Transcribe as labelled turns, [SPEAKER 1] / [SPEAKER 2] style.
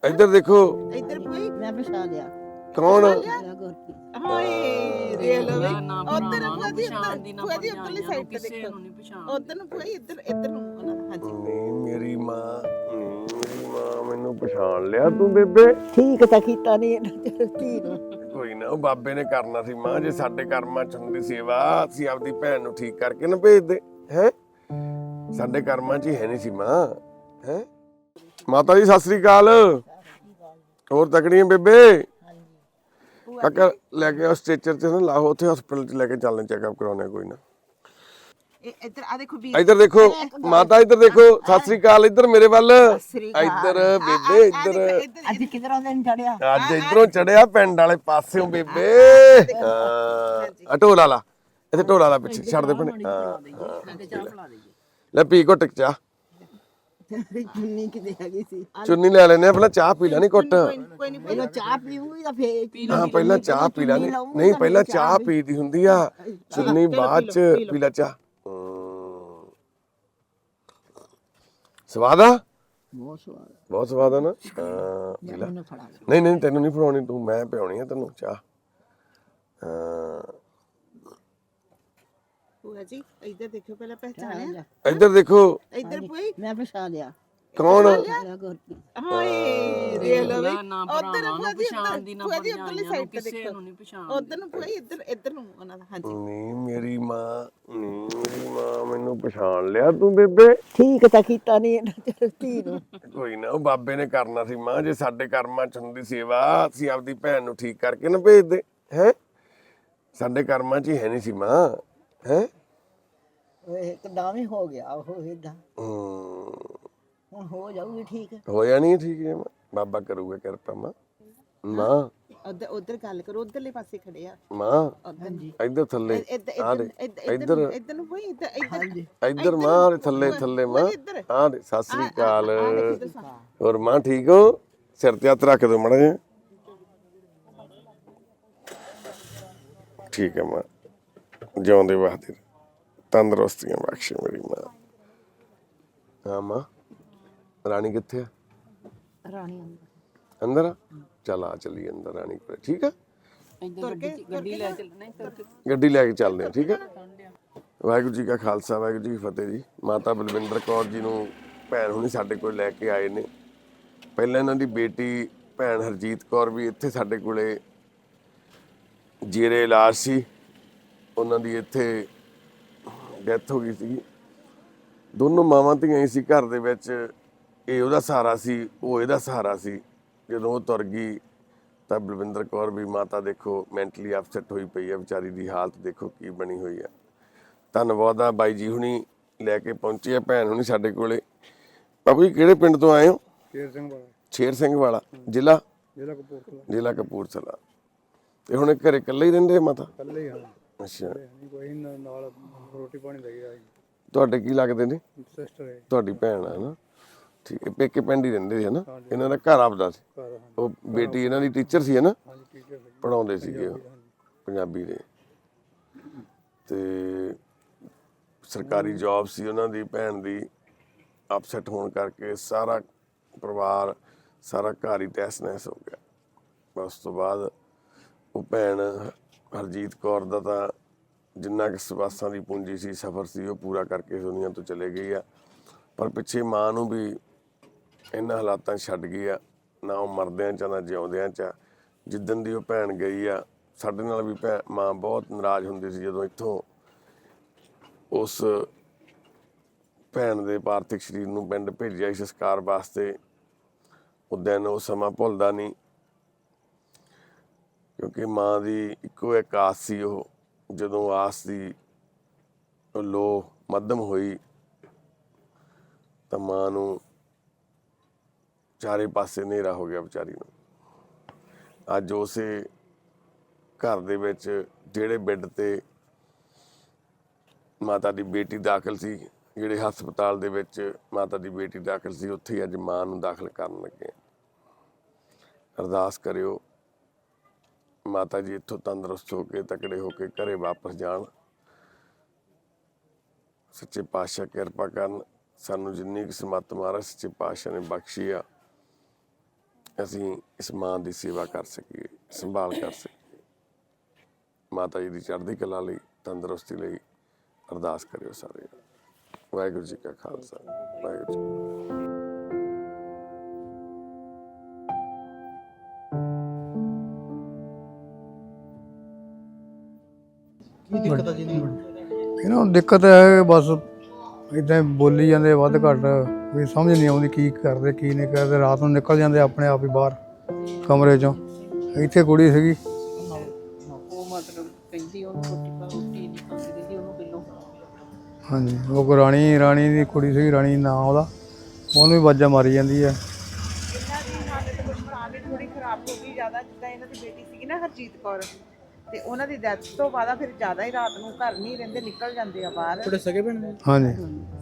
[SPEAKER 1] ਇੱਧਰ ਦੇਖੋ
[SPEAKER 2] ਇੱਧਰ ਕੋਈ
[SPEAKER 3] ਮੈਂ ਪਛਾਣ ਲਿਆ
[SPEAKER 1] ਕੌਣ
[SPEAKER 3] ਗੁਰਪ੍ਰੀਤ
[SPEAKER 2] ਹਾਏ ਦੇ ਲੋ ਵੀ
[SPEAKER 4] ਨਾ
[SPEAKER 2] ਉਧਰ
[SPEAKER 4] ਭਰਾਵਾਂ ਨੂੰ
[SPEAKER 2] ਕੋਈ
[SPEAKER 4] ਪਛਾਣ ਦੀ ਨਾ
[SPEAKER 2] ਕੋਈ ਉਧਰਲੀ ਸਾਈਡ ਤੇ
[SPEAKER 4] ਕਿਸੇ
[SPEAKER 2] ਦੇਖੋ
[SPEAKER 4] ਨੂੰ ਨਹੀਂ ਪਛਾਣ
[SPEAKER 2] ਉਧਰ ਨੂੰ ਕੋਈ ਇੱਧਰ ਨੂੰ ਉਹਨਾਂ ਦਾ ਹਾਂਜੀ
[SPEAKER 1] ਨਹੀਂ ਮੇਰੀ ਮਾਂ ਮੈਨੂੰ ਪਛਾਣ ਲਿਆ ਤੂੰ ਬੇਬੇ
[SPEAKER 3] ਠੀਕ ਤਾਂ ਕੀਤਾ ਨਹੀਂ ਇਹਨਾਂ ਧੀ ਨੂੰ
[SPEAKER 1] ਕੋਈ ਨਾ ਉਹ ਬਾਬੇ ਨੇ ਕਰਨਾ ਸੀ ਮਾਂ ਜੇ ਸਾਡੇ ਕਰਮਾਂ ਚ ਹੁੰਦੀ ਸੇਵਾ ਅਸੀਂ ਆਪਦੀ ਭੈਣ ਨੂੰ ਠੀਕ ਕਰਕੇ ਨਾ ਭੇਜਦੇ ਹੈ ਸਾਡੇ ਕਰਮਾਂ ਚ ਹੀ ਹੈ ਨਹੀਂ ਸੀ ਮਾਂ ਹੈ ਮਾਤਾ ਜੀ ਸਤਿ ਸ੍ਰੀ ਅਕਾਲ ਹੋਰ ਤਕੜੀਆਂ ਬੇਬੇ ਕਾਕਾ ਲੈ ਕੇ ਆ ਸਟ੍ਰੈਚਰ ਤੇ ਨਾ ਲਾਓ ਉੱਥੇ ਹਸਪੀਟਲ ਚ ਲੈ ਕੇ ਚੱਲਣੇ ਚੈੱਕਅਪ ਕਰਾਉਣੇ ਕੋਈ ਨਾ
[SPEAKER 2] ਇੱਧਰ ਆ ਦੇਖੋ ਵੀ
[SPEAKER 1] ਇੱਧਰ ਦੇਖੋ ਮਾਤਾ ਇੱਧਰ ਦੇਖੋ ਸਤਿ ਸ੍ਰੀ ਅਕਾਲ ਇੱਧਰ ਮੇਰੇ ਵੱਲ ਇੱਧਰ ਬੇਬੇ ਇੱਧਰ
[SPEAKER 3] ਅੱਜ ਕਿਧਰੋਂ ਦਿਨ ਚੜਿਆ
[SPEAKER 1] ਅੱਜ ਇਧਰੋਂ ਚੜਿਆ ਪਿੰਡ ਵਾਲੇ ਪਾਸਿਓਂ ਬੇਬੇ ਹਾਂ ਢੋਲਾ ਲਾ ਇੱਥੇ ਢੋਲਾ ਲਾ ਪਿੱਛੇ ਛੱਡ ਦੇ ਭਣੇ ਲੈ ਪੀ ਘੁੱਟ ਚਾਹ
[SPEAKER 3] ਚੁੰਨੀ ਕਿਤੇ ਹੈਗੀ ਸੀ
[SPEAKER 1] ਚੁੰਨੀ ਲੈ ਲੈਨੇ ਆ ਪਹਿਲਾਂ ਚਾਹ ਪੀ ਲੈਣੀ ਘੁੱਟ
[SPEAKER 2] ਕੋਈ ਨਹੀਂ
[SPEAKER 3] ਪਹਿਲਾਂ ਚਾਹ ਪੀਊਗੀ ਤਾਂ ਫੇਰ
[SPEAKER 1] ਹਾਂ ਪਹਿਲਾਂ ਚਾਹ ਪੀ ਲੈਣੀ ਨਹੀਂ ਪਹਿਲਾਂ ਚਾਹ ਪੀਦੀ ਹੁੰਦੀ ਆ ਚੁੰਨੀ ਬਾਅਦ ਚ ਪੀ ਲੈ ਚਾਹ ਸਵਾਦ ਆ
[SPEAKER 3] ਬਹੁਤ ਸਵਾਦ
[SPEAKER 1] ਬਹੁਤ ਸਵਾਦ ਆ ਨਾ ਹਾਂ ਪੀ ਲੈ
[SPEAKER 3] ਮੈਨੂੰ ਫੜਾ
[SPEAKER 1] ਨਹੀਂ ਨਹੀਂ ਤੈਨੂੰ ਨਹੀਂ ਫੜਾਉਣੀ ਤੂੰ ਮੈਂ ਪਿਆਉਣੀ ਆ ਤੈਨੂੰ ਚਾਹ ਹਾਂ
[SPEAKER 2] ਭੂਆ ਜੀ ਇੱਧਰ ਦੇਖੋ ਪਹਿਲਾਂ ਪਹਿਚਾਣਿਆ
[SPEAKER 1] ਇੱਧਰ ਦੇਖੋ
[SPEAKER 2] ਇੱਧਰ ਕੋਈ
[SPEAKER 3] ਮੈਂ ਪਛਾਣ ਲਿਆ
[SPEAKER 1] ਕੌਣ
[SPEAKER 3] ਗੁਰਪ੍ਰੀਤ
[SPEAKER 2] ਹਾਏ ਦੇ ਲੋ ਵੀ
[SPEAKER 4] ਨਾ
[SPEAKER 2] ਉਧਰ
[SPEAKER 4] ਭਰਾਵਾਂ ਨੂੰ ਪਛਾਣ ਦੀ ਨਾ
[SPEAKER 2] ਉਧਰਲੀ ਸਾਈਡ ਤੇ
[SPEAKER 4] ਕਿਸੇ
[SPEAKER 2] ਦੇਖੋ
[SPEAKER 4] ਨੂੰ ਨਹੀਂ ਪਛਾਣ
[SPEAKER 2] ਉਧਰ ਨੂੰ ਕੋਈ ਇੱਧਰ ਨੂੰ ਉਹਨਾਂ ਦਾ ਹਾਂਜੀ
[SPEAKER 1] ਨਹੀਂ ਮੇਰੀ ਮਾਂ ਮੈਨੂੰ ਪਛਾਣ ਲਿਆ ਤੂੰ ਬੇਬੇ
[SPEAKER 3] ਠੀਕ ਤਾਂ ਕੀਤਾ ਨਹੀਂ ਇਹਨਾਂ ਧੀ ਨੂੰ
[SPEAKER 1] ਕੋਈ ਨਾ ਉਹ ਬਾਬੇ ਨੇ ਕਰਨਾ ਸੀ ਮਾਂ ਜੇ ਸਾਡੇ ਕਰਮਾਂ ਚ ਹੁੰਦੀ ਸੇਵਾ ਅਸੀਂ ਆਪਦੀ ਭੈਣ ਨੂੰ ਠੀਕ ਕਰਕੇ ਨਾ ਭੇਜਦੇ ਹੈ ਸਾਡੇ ਕਰਮਾਂ ਚ ਹੀ ਹੈ ਨਹੀਂ ਸੀ ਮਾਂ ਹੈ
[SPEAKER 3] ਉਹ ਇੱਕਦਮ ਹੀ ਹੋ ਗਿਆ ਉਹ ਇਦਾਂ ਹੁਣ ਹੋ ਜਾਊਗੀ ਠੀਕ
[SPEAKER 1] ਹੋਇਆ ਨਹੀਂ ਠੀਕ ਹੈ ਮਾਂ ਬਾਬਾ ਕਰੂਗਾ ਕਿਰਪਾ ਮਾਂ
[SPEAKER 2] ਉਧਰ ਗੱਲ ਕਰੋ ਉਧਰਲੇ ਪਾਸੇ ਖੜੇ ਆ
[SPEAKER 1] ਮਾਂ
[SPEAKER 2] ਉਧਰ
[SPEAKER 1] ਇੱਧਰ ਥੱਲੇ ਆ ਦੇ ਇੱਧਰ
[SPEAKER 2] ਇੱਧਰ ਨੂੰ ਕੋਈ
[SPEAKER 1] ਇੱਧਰ ਮਾਂ ਦੇ ਥੱਲੇ ਮਾਂ ਆ ਦੇ ਸਤਿ ਸ੍ਰੀ ਅਕਾਲ ਹੋਰ ਮਾਂ ਠੀਕ ਹੋ ਸਿਰ ਤੇ ਹੱਥ ਰੱਖ ਦਿਓ ਮਾੜਾ ਜਿਹਾ ਠੀਕ ਹੈ ਮਾਂ ਜਿਉਂਦੇ ਵਾਸਤੇ ਤੰਦਰੁਸਤੀਆਂ ਬਖਸ਼ੇ ਮੇਰੀ ਮਾਂ ਹਾਂ ਮਾਂ ਰਾਣੀ ਕਿੱਥੇ ਆ
[SPEAKER 3] ਰਾਣੀ
[SPEAKER 1] ਅੰਦਰ ਆ ਚੱਲ ਆ ਚੱਲੀ ਅੰਦਰ ਰਾਣੀ ਕੋਲ ਠੀਕ ਆ
[SPEAKER 4] ਇੱਧਰ ਗੱਡੀ ਲੈ ਚੱਲ ਨਹੀਂ ਤੁਰ ਕੇ
[SPEAKER 1] ਗੱਡੀ ਲੈ ਕੇ ਚੱਲਦੇ ਆ ਠੀਕ ਆ ਵਾਹਿਗੁਰੂ ਜੀ ਕਾ ਖਾਲਸਾ ਵਾਹਿਗੁਰੂ ਜੀ ਕੀ ਫਤਿਹ ਜੀ ਮਾਤਾ ਬਲਵਿੰਦਰ ਕੌਰ ਜੀ ਨੂੰ ਭੈਣ ਹੁਣੀ ਸਾਡੇ ਕੋਲ ਲੈ ਕੇ ਆਏ ਨੇ ਪਹਿਲਾਂ ਇਹਨਾਂ ਦੀ ਬੇਟੀ ਭੈਣ ਹਰਜੀਤ ਕੌਰ ਵੀ ਇੱਥੇ ਸਾਡੇ ਕੋਲੇ ਜੀਰੇ ਇਲਾਜ ਸੀ ਉਹਨਾਂ ਦੀ ਇੱਥੇ ਡੈਥ ਹੋ ਗਈ ਸੀ ਦੋਨੋਂ ਮਾਵਾਂ ਧੀਆਂ ਹੀ ਸੀ ਘਰ ਦੇ ਵਿੱਚ ਇਹ ਉਹਦਾ ਸਹਾਰਾ ਸੀ ਉਹ ਇਹਦਾ ਸਹਾਰਾ ਸੀ ਜਦੋਂ ਉਹ ਤੁਰ ਗਈ ਤਾਂ ਬਲਵਿੰਦਰ ਕੌਰ ਵੀ ਮਾਤਾ ਦੇਖੋ ਮੈਂਟਲੀ ਅਪਸੈਟ ਹੋਈ ਪਈ ਹੈ ਵਿਚਾਰੀ ਦੀ ਹਾਲਤ ਦੇਖੋ ਕੀ ਬਣੀ ਹੋਈ ਹੈ ਧੰਨਵਾਦ ਆ ਬਾਈ ਜੀ ਹੁਣੀ ਲੈ ਕੇ ਪਹੁੰਚੇ ਆ ਭੈਣ ਹੁਣੀ ਸਾਡੇ ਕੋਲੇ ਬਾਬੂ ਜੀ ਕਿਹੜੇ ਪਿੰਡ ਤੋਂ ਆਏ ਹੋ ਸ਼ੇਰ ਸਿੰਘ ਵਾਲਾ ਜ਼ਿਲ੍ਹਾ ਕਪੂਰਥਲਾ ਤੇ ਹੁਣ ਘਰੇ ਇਕੱਲੇ ਹੀ ਰਹਿੰਦੇ ਆ ਮਾਤਾ
[SPEAKER 5] ਕੱਲੇ ਹਾਂ
[SPEAKER 1] ਅੱਛਾ
[SPEAKER 5] ਕੋਈ ਨਾਲ ਰੋਟੀ ਪਾਣੀ ਲੈ ਗਿਆ
[SPEAKER 1] ਤੁਹਾਡੇ ਕੀ ਲੱਗਦੇ ਨੇ
[SPEAKER 5] ਸਿਸਟਰ ਹੈ
[SPEAKER 1] ਤੁਹਾਡੀ ਭੈਣ ਆ ਨਾ ਠੀਕ ਹੈ ਪੇਕੇ ਪਿੰਡ ਹੀ ਰਹਿੰਦੇ ਸੀ ਨਾ ਇਹਨਾਂ ਦਾ ਘਰ ਆਪਦਾ ਸੀ
[SPEAKER 5] ਘਰ
[SPEAKER 1] ਉਹ ਬੇਟੀ ਇਹਨਾਂ ਦੀ ਟੀਚਰ ਸੀ ਨਾ
[SPEAKER 5] ਹਾਂਜੀ ਟੀਚਰ ਹੈ
[SPEAKER 1] ਪੜਾਉਂਦੇ ਸੀਗੇ ਉਹ ਪੰਜਾਬੀ ਦੇ ਤੇ ਸਰਕਾਰੀ ਜੌਬ ਸੀ ਉਹਨਾਂ ਦੀ ਭੈਣ ਦੀ ਅਪਸੈਟ ਹੋਣ ਕਰਕੇ ਸਾਰਾ ਪਰਿਵਾਰ ਸਾਰਾ ਘਰ ਹੀ ਤਹਿਸ-ਨਹਿਸ ਹੋ ਗਿਆ ਉਸ ਤੋਂ ਬਾਅਦ ਉਹ ਭੈਣ ਹਰਜੀਤ ਕੌਰ ਦਾ ਤਾਂ ਜਿੰਨਾ ਕਿ ਸਵਾਸਾਂ ਦੀ ਪੂੰਜੀ ਸੀ ਸਫ਼ਰ ਸੀ ਉਹ ਪੂਰਾ ਕਰਕੇ ਦੁਨੀਆ ਤੋਂ ਚਲੇ ਗਈ ਆ ਪਰ ਪਿੱਛੇ ਮਾਂ ਨੂੰ ਵੀ ਇਹਨਾਂ ਹਾਲਾਤਾਂ 'ਚ ਛੱਡ ਗਈ ਆ ਨਾ ਉਹ ਮਰਦਿਆਂ 'ਚ ਨਾ ਜਿਉਂਦਿਆਂ 'ਚ ਜਿੱਦਣ ਦੀ ਉਹ ਭੈਣ ਗਈ ਆ ਸਾਡੇ ਨਾਲ ਵੀ ਮਾਂ ਬਹੁਤ ਨਾਰਾਜ਼ ਹੁੰਦੀ ਸੀ ਜਦੋਂ ਇੱਥੋਂ ਉਸ ਭੈਣ ਦੇ ਪਾਰਥਿਕ ਸਰੀਰ ਨੂੰ ਪਿੰਡ ਭੇਜਿਆ ਸੀ ਸੰਸਕਾਰ ਵਾਸਤੇ ਉਹ ਦਿਨ ਉਹ ਸਮਾਂ ਭੁੱਲਦਾ ਨਹੀਂ ਕਿਉਂਕਿ ਮਾਂ ਦੀ ਇੱਕੋ ਇੱਕ ਆਸ ਸੀ ਉਹ ਜਦੋਂ ਆਸ ਦੀ ਲੋ ਮੱਧਮ ਹੋਈ ਤਾਂ ਮਾਂ ਨੂੰ ਚਾਰੇ ਪਾਸੇ ਹਨੇਰਾ ਹੋ ਗਿਆ ਵਿਚਾਰੀ ਨੂੰ ਅੱਜ ਉਸੇ ਘਰ ਦੇ ਵਿੱਚ ਜਿਹੜੇ ਬੈੱਡ ਤੇ ਮਾਤਾ ਦੀ ਬੇਟੀ ਦਾਖਲ ਸੀ ਜਿਹੜੇ ਹਸਪਤਾਲ ਦੇ ਵਿੱਚ ਮਾਤਾ ਦੀ ਬੇਟੀ ਦਾਖਲ ਸੀ ਉੱਥੇ ਹੀ ਅੱਜ ਮਾਂ ਨੂੰ ਦਾਖਲ ਕਰਨ ਲੱਗੇ ਅਰਦਾਸ ਕਰਿਓ ਮਾਤਾ ਜੀ ਇੱਥੋਂ ਤੰਦਰੁਸਤ ਹੋ ਕੇ ਤਕੜੇ ਹੋ ਕੇ ਘਰੇ ਵਾਪਸ ਜਾਣ ਸੱਚੇ ਪਾਤਸ਼ਾਹ ਕਿਰਪਾ ਕਰਨ ਸਾਨੂੰ ਜਿੰਨੀ ਕਿ ਸਮੱਤ ਮਹਾਰਾਜ ਸੱਚੇ ਪਾਤਸ਼ਾਹ ਨੇ ਬਖਸ਼ੀ ਆ ਅਸੀਂ ਇਸ ਮਾਂ ਦੀ ਸੇਵਾ ਕਰ ਸਕੀਏ, ਸੰਭਾਲ ਕਰ ਸਕੀਏ। ਮਾਤਾ ਜੀ ਦੀ ਚੜ੍ਹਦੀ ਕਲਾ ਲਈ, ਤੰਦਰੁਸਤੀ ਲਈ ਅਰਦਾਸ ਕਰਿਓ ਸਾਰੇ। ਵਾਹਿਗੁਰੂ ਜੀ ਕਾ ਖਾਲਸਾ, ਵਾਹਿਗੁਰੂ ਜੀ।
[SPEAKER 5] ਇਹਨਾਂ ਨੂੰ ਦਿੱਕਤ ਹੈ ਬਸ ਇਦਾਂ ਬੋਲੀ ਜਾਂਦੇ ਵੱਧ ਘੱਟ, ਵੀ ਸਮਝ ਨਹੀਂ ਆਉਂਦੀ ਕੀ ਕਰਦੇ ਕੀ ਨਹੀਂ ਕਰਦੇ। ਰਾਤ ਨੂੰ ਨਿਕਲ ਜਾਂਦੇ ਆਪਣੇ ਆਪ ਹੀ ਬਾਹਰ ਕਮਰੇ ਚੋਂ। ਇੱਥੇ ਕੁੜੀ ਸੀਗੀ,
[SPEAKER 4] ਉਹ ਮਤਲਬ ਕਹਿੰਦੀ ਉਹਨੂੰ ਰੋਟੀ ਨਹੀਂ ਖਾਂਦੀ ਦੀਦੀ ਉਹਨੂੰ ਪਹਿਲੋਂ।
[SPEAKER 5] ਹਾਂਜੀ ਉਹ ਕੋ ਰਾਣੀ ਦੀ ਕੁੜੀ ਸੀਗੀ, ਰਾਣੀ ਨਾਂ ਉਹਦਾ, ਉਹਨੂੰ ਵੀ ਵਾਜਾਂ ਮਾਰੀ ਜਾਂਦੀ ਹੈ।
[SPEAKER 2] ਇਹਨਾਂ ਦੀ ਹਾਲਤ ਗੁਰਪ੍ਰਾਨ ਦੀ ਥੋੜੀ ਖਰਾਬ ਹੋ ਗਈ ਜ਼ਿਆਦਾ। ਜਿੱਦਾਂ ਇਹਨਾਂ ਦੀ ਬੇਟੀ ਸੀਗੀ ਨਾ ਹਰਜੀਤ ਕੌਰ, ਤੇ ਉਹਨਾਂ ਦੀ ਡੈਥ ਤੋਂ ਬਾਅਦ ਫਿਰ ਜ਼ਿਆਦਾ ਹੀ ਰਾਤ ਨੂੰ ਘਰ ਨਹੀਂ ਰਹਿੰਦੇ, ਨਿਕਲ ਜਾਂਦੇ ਆ ਬਾਹਰ।
[SPEAKER 5] ਹਾਂਜੀ